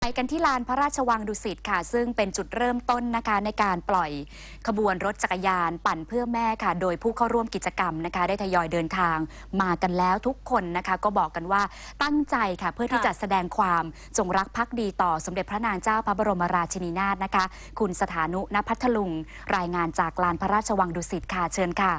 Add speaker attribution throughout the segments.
Speaker 1: ไปกันที่ลานพระราชวังดุสิตค่ะซึ่งเป็นจุดเริ่มต้นนะคะในการปล่อยขบวนรถจักรยานปั่นเพื่อแม่ค่ะโดยผู้เข้าร่วมกิจกรรมนะคะได้ทยอยเดินทางมากันแล้วทุกคนนะคะก็บอกกันว่าตั้งใจค่ะเพื่อที่จะแสดงความจงรักภักดีต่อสมเด็จพระนางเจ้าพระบรมราชินีนาถนะคะคุณสถานุ ณ พัทลุงรายงานจากลานพระราชวังดุสิตค่ะเชิญค่ะ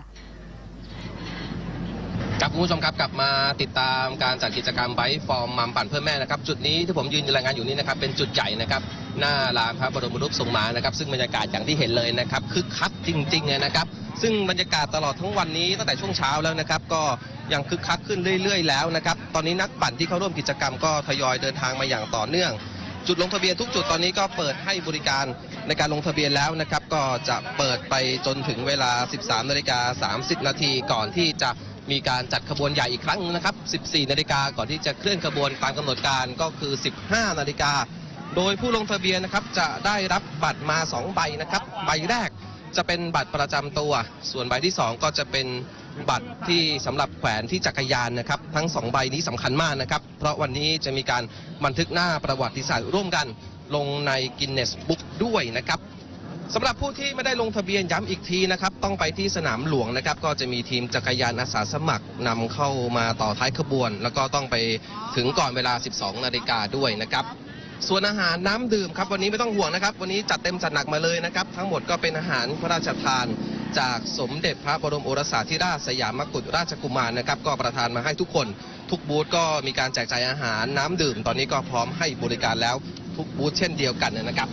Speaker 2: ครับคุณผู้ชมครับกลับมาติดตามการจัดกิจกรรมไบค์ฟอร์มมัมปั่นเพื่อแม่นะครับจุดนี้ที่ผมยืนรายงานอยู่นี้นะครับเป็นจุดใหญ่นะครับหน้าลานพระบรมรูปทรงม้านะครับซึ่งบรรยากาศอย่างที่เห็นเลยนะครับคึกคักจริงๆนะครับซึ่งบรรยากาศตลอดทั้งวันนี้ตั้งแต่ช่วงเช้าแล้วนะครับก็ยังคึกคักขึ้นเรื่อยๆแล้วนะครับตอนนี้นักปั่นที่เข้าร่วมกิจกรรมก็ทยอยเดินทางมาอย่างต่อเนื่องจุดลงทะเบียนทุกจุดตอนนี้ก็เปิดให้บริการในการลงทะเบียนแล้วนะครับก็จะเปิดไปจนถึงเวลา 13:30 นาทีก่อนที่จะมีการจัดขบวนใหญ่อีกครั้งนะครับ 14 นาฬิกาก่อนที่จะเคลื่อนขบวนตามกำหนดการก็คือ 15 นาฬิกาโดยผู้ลงทะเบียนนะครับจะได้รับบัตรมา 2 ใบนะครับใบแรกจะเป็นบัตรประจำตัวส่วนใบที่ 2 ก็จะเป็นบัตรที่สำหรับแขวนที่จักรยานนะครับทั้ง2ใบนี้สำคัญมากนะครับเพราะวันนี้จะมีการบันทึกหน้าประวัติศาสตร์ร่วมกันลงในกินเนสบุ๊กด้วยนะครับสำหรับผู้ที่ไม่ได้ลงทะเบียนย้ำอีกทีนะครับต้องไปที่สนามหลวงนะครับก็จะมีทีมจักรยานอาสาสมัครนำเข้ามาต่อท้ายขบวนแล้วก็ต้องไปถึงก่อนเวลา 12 นาฬิกาด้วยนะครับส่วนอาหารน้ำดื่มครับวันนี้ไม่ต้องห่วงนะครับวันนี้จัดเต็มจัดหนักมาเลยนะครับทั้งหมดก็เป็นอาหารพระราชทานจากสมเด็จพระบรมโอรสาธิราชสยามกุฎราชกุมารนะครับก็ประทานมาให้ทุกคนทุกบูธก็มีการแจกจ่ายอาหารน้ำดื่มตอนนี้ก็พร้อมให้บริการแล้วทุกบูธเช่นเดียวกันนะครับ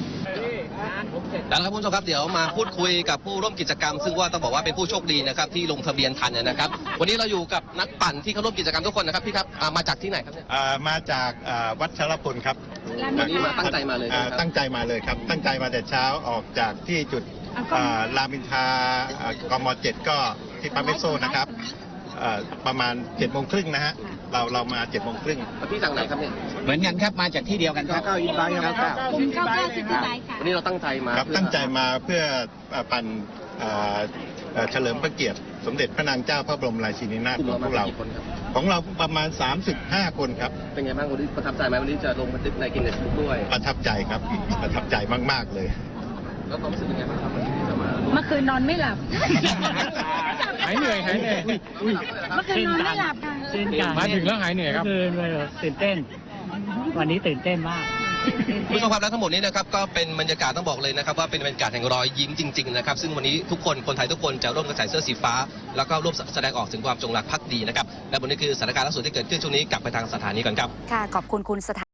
Speaker 2: แล้วครับคุณผู้ชมครับเดี๋ยวมาพูดคุยกับผู้ร่วมกิจกรรมซึ่งว่าต้องบอกว่าเป็นผู้โชคดีนะครับที่ลงทะเบียนทันนะครับวันนี้เราอยู่กับนักปั่นที่เข้าร่วมกิจกรรมทุกคนนะครับพี่ครับมาจากที่ไหนครับเนี่ย
Speaker 3: มาจากวัชรพลครับ
Speaker 2: วันนี้มาตั้งใจมาเลย
Speaker 3: ตั้งใจมาเลยครับตั้งใจมาแต่เช้าออกจากที่จุดรามอินทรากม.7ก็ที่ปั๊มเอสโซนะครับประมาณ7:30นะฮะเรามา7:30
Speaker 2: พี่จากไหนครับเนี่ย
Speaker 3: เหมือนกันครับมาจากที่เดียวกันครับ
Speaker 4: กลุ่ม99ซิตี้ไบค์ค่ะ
Speaker 2: วันนี้เราตั้งใจมา
Speaker 3: ครับตั้งใจมาเพื่อปั่นเฉลิมพระเกียรติสมเด็จพระนางเจ้าพระบรมราชินีนาถของพวกเราของเราประมาณ35 คนครับ
Speaker 2: เป็นไงบ้างวันนี้ประทับใจไหมวันนี้จะลงบันทึกในกินเนสบุ๊กด้วย
Speaker 3: ประทับใจครับประทับใจมากๆเลย
Speaker 2: แล้วความรู้สึกเป็นไงบ้างครับวันนี้ที่จะมา
Speaker 4: เมื่อคืนนอนไม่หลับ
Speaker 5: หายเหนื่อย
Speaker 4: เมื่อคืนนอนไม่หลับค่ะ
Speaker 5: มาถึงแล้วหายเหนื่อยครับ
Speaker 6: คือตื่นเต้นวันนี้ตื่นเต้นมาก
Speaker 2: ผู้ชมครับและทั้งหมดนี้นะครับก็เป็นบรรยากาศต้องบอกเลยนะครับว่าเป็นบรรยากาศแห่งรอยยิ้มจริงๆนะครับซึ่งวันนี้ทุกคนไทยทุกคนจะร่วมกันใส่เสื้อสีฟ้าแล้วก็ร่วมแสดงออกถึงความจงรักภักดีนะครับและวันนี้คือสถานการณ์ล่าสุดที่เกิดขึ้นช่วงนี้กลับไปทางสถานีก่อนครับ
Speaker 1: ค่ะขอบคุณคุณสถา